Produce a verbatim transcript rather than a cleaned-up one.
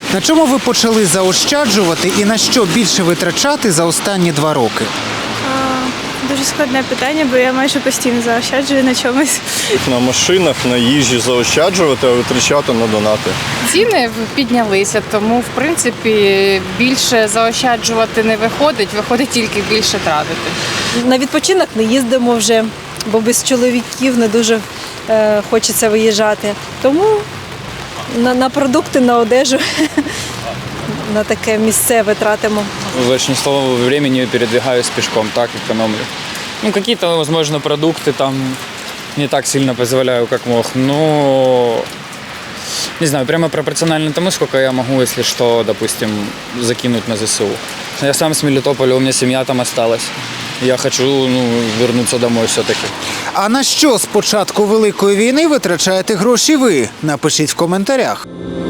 На чому ви почали заощаджувати і на що більше витрачати за останні два роки? Дуже складне питання, бо я майже постійно заощаджую на чомусь. На машинах, на їжі заощаджувати, а витрачати на донати. Ціни піднялися, тому, в принципі, більше заощаджувати не виходить, виходить тільки більше тратити. На відпочинок не їздимо вже, бо без чоловіків не дуже е, хочеться виїжджати. Тому на, на продукти, на одежу, на таке місцеве тратимо. Большинство времени передвигаюсь пешком, так экономлю. Ну, какие-то, возможно, продукты там не так сильно позволяю, как мог, но не знаю, прямо пропорционально тому, сколько я могу, если что, допустим, закинуть на ЗСУ. Я сам с Мелитополя, у меня семья там осталась. Я хочу, ну, вернуться домой все-таки. А на що з початку Великої війни витрачаєте гроші ви? Напишіть в коментарях.